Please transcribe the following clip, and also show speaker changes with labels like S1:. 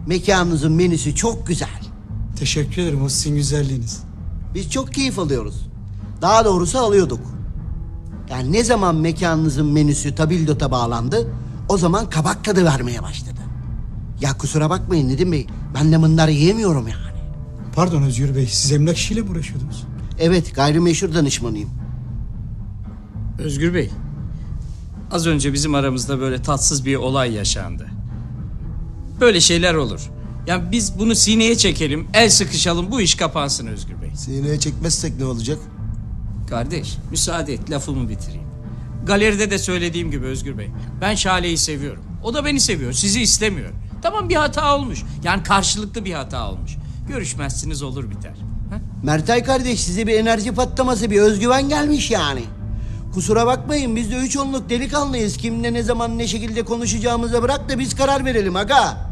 S1: Mekanınızın menüsü çok güzel.
S2: Teşekkür ederim, o sizin güzelliğiniz.
S1: Biz çok keyif alıyoruz. Daha doğrusu alıyorduk. Yani ne zaman mekanınızın menüsü tabildota bağlandı, o zaman kabak tadı vermeye başladı. Ya kusura bakmayın Nedim Bey, ben de bunları yiyemiyorum yani.
S2: Pardon Özgür Bey, siz emlak işiyle mi uğraşıyordunuz?
S1: Evet, gayrimeşhur danışmanıyım.
S3: Özgür Bey, az önce bizim aramızda böyle tatsız bir olay yaşandı. Böyle şeyler olur. Yani biz bunu sineye çekelim, el sıkışalım, bu iş kapansın Özgür Bey.
S4: Sineye çekmezsek ne olacak?
S3: Kardeş, müsaade et, lafımı bitireyim. Galeride de söylediğim gibi Özgür Bey, ben Şale'yi seviyorum. O da beni seviyor, sizi istemiyor. Tamam, bir hata olmuş. Yani karşılıklı bir hata olmuş. Görüşmezsiniz, olur biter. Ha?
S1: Mertay kardeş, size bir enerji patlaması, bir özgüven gelmiş yani. Kusura bakmayın, biz de 3 onluk delikanlıyız. Kimle ne zaman ne şekilde konuşacağımıza bırak da biz karar verelim aga.